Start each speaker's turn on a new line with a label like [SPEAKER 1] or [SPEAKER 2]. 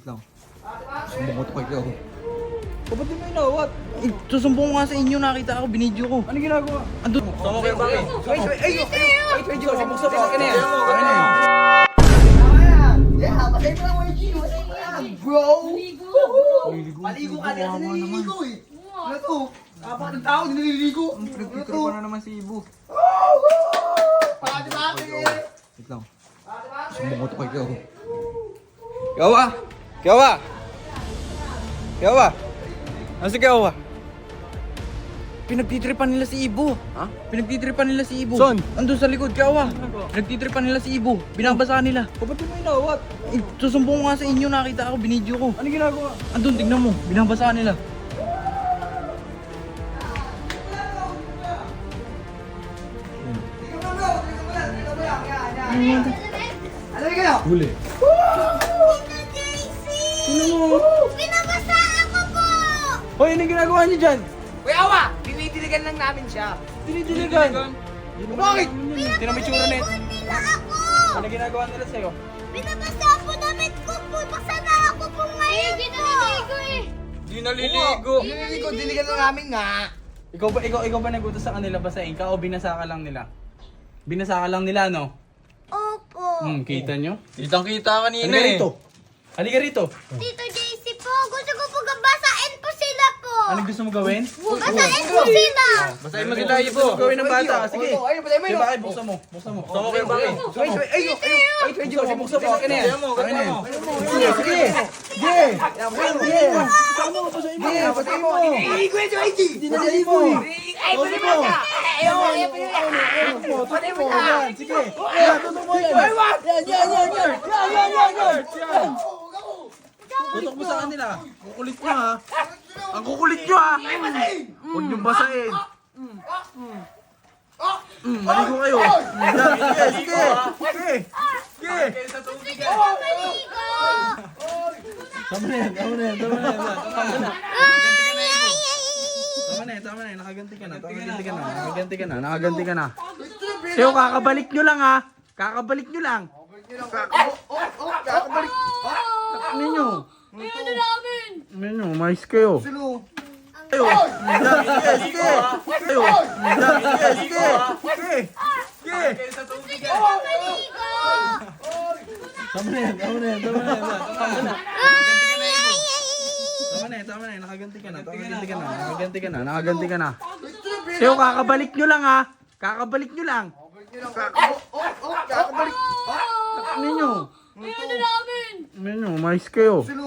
[SPEAKER 1] lang. Sumbong ko to kayo. Ba't di mo inawat? Susumbong ko nga sa inyo, nakita ako, binidyo ko. Ano ginagawa? Andun. Sama kayo bakit? Wait, kasi buksan mo. Kaya na yan.
[SPEAKER 2] Yeah, patay mo lang mo yung Gino. Patay mo yan, bro. Maligo ka din. Naliligo eh. Ano to? Apat ng tao, naliligo.
[SPEAKER 1] Pinagpitro pa na naman si Ibo.
[SPEAKER 2] Pati-pati.
[SPEAKER 1] Wait lang. Sumbong ko to kayo. Kawa! Kawa! Kawa! Ano si Kawa? Pinagtitripan nila si Ibo. Ha? Pinagtitripan nila si Ibo. Saan? Andun sa likod, Kawa. Pinagtitripan nila si Ibo. Binabasa nila. Ba't di mo inawat? Susumbong ko nga sa inyo, nakita ako, binidyo ko. Ano ginagawa? Andun, tignan mo. Binabasa nila.
[SPEAKER 2] Ano yung kayo?
[SPEAKER 1] Huli.
[SPEAKER 3] Tita JC!
[SPEAKER 1] Sino mo?
[SPEAKER 3] Pinabasa ako po!
[SPEAKER 1] Hoy, ano ginagawa niyo dyan?
[SPEAKER 2] Kuya Awa, dinidiligan lang namin siya.
[SPEAKER 1] Dinidiligan. Bakit? Tinan mo yung tsura net.
[SPEAKER 3] Nila ako!
[SPEAKER 1] Ano ginagawa nila sa'yo?
[SPEAKER 3] Pinabasa po damit ko po! Basa na ako po ngayon po!
[SPEAKER 1] Di naliligo.
[SPEAKER 2] Diniligo, diligan lang namin nga.
[SPEAKER 4] Ikaw ba nagutos sa kanila basahin ka o binasa ka lang nila? Binasa ka lang nila, no?
[SPEAKER 3] Opo!
[SPEAKER 4] Kita nyo?
[SPEAKER 1] Kitang-kita kanina
[SPEAKER 4] Halika
[SPEAKER 1] eh.
[SPEAKER 4] rito. Halika rito.
[SPEAKER 3] Tito JC po! Gusto ko po basain po sila po!
[SPEAKER 4] Ano gusto mo gawin?
[SPEAKER 3] Basain po sila!
[SPEAKER 1] Basahin mo sila, Ibo.
[SPEAKER 4] Gusto mo gawin ng bata? Sige.
[SPEAKER 2] Ayun, patay mo
[SPEAKER 4] Sige,
[SPEAKER 2] yun.
[SPEAKER 4] bakit? Buksan mo. Buksan mo.
[SPEAKER 1] Sama kayo bakit?
[SPEAKER 2] Wait, kasi buksan mo.
[SPEAKER 4] Sige.
[SPEAKER 1] Kaya mo, kaya mo.
[SPEAKER 2] Sige. Patay mo. Diniligo yun si YG. Diniligo eh. Ay, patay mo. Patay mo.
[SPEAKER 1] Sige. Tutok mo yan. Yan. Tutok mo sa kanila. Kukulit nyo ha. Ang kukulit nyo ha. Huwag nyo basahin. Maligo kayo. Sige.
[SPEAKER 3] Maligo!
[SPEAKER 4] Tama na yan. Nakaganti ka na. Nakaganti ka na. Sa'yo, kakabalik nyo lang ha. Kakabalik nyo lang.
[SPEAKER 2] Kakabalik.
[SPEAKER 4] Ano nyo?
[SPEAKER 3] Ano namin?
[SPEAKER 4] Ano nyo? Mais kayo.
[SPEAKER 2] Sino?
[SPEAKER 4] Sige. Sige.
[SPEAKER 3] Maligo!
[SPEAKER 4] Tama na yan. Nakaganti ka na. Nakaganti ka na. Sa'yo, kakabalik nyo lang ha. Kakabalik nyo lang.
[SPEAKER 2] Kakabalik.
[SPEAKER 4] Ano nyo?
[SPEAKER 3] Ano namin?
[SPEAKER 4] Ano nyo? Mais kayo.
[SPEAKER 2] Sino?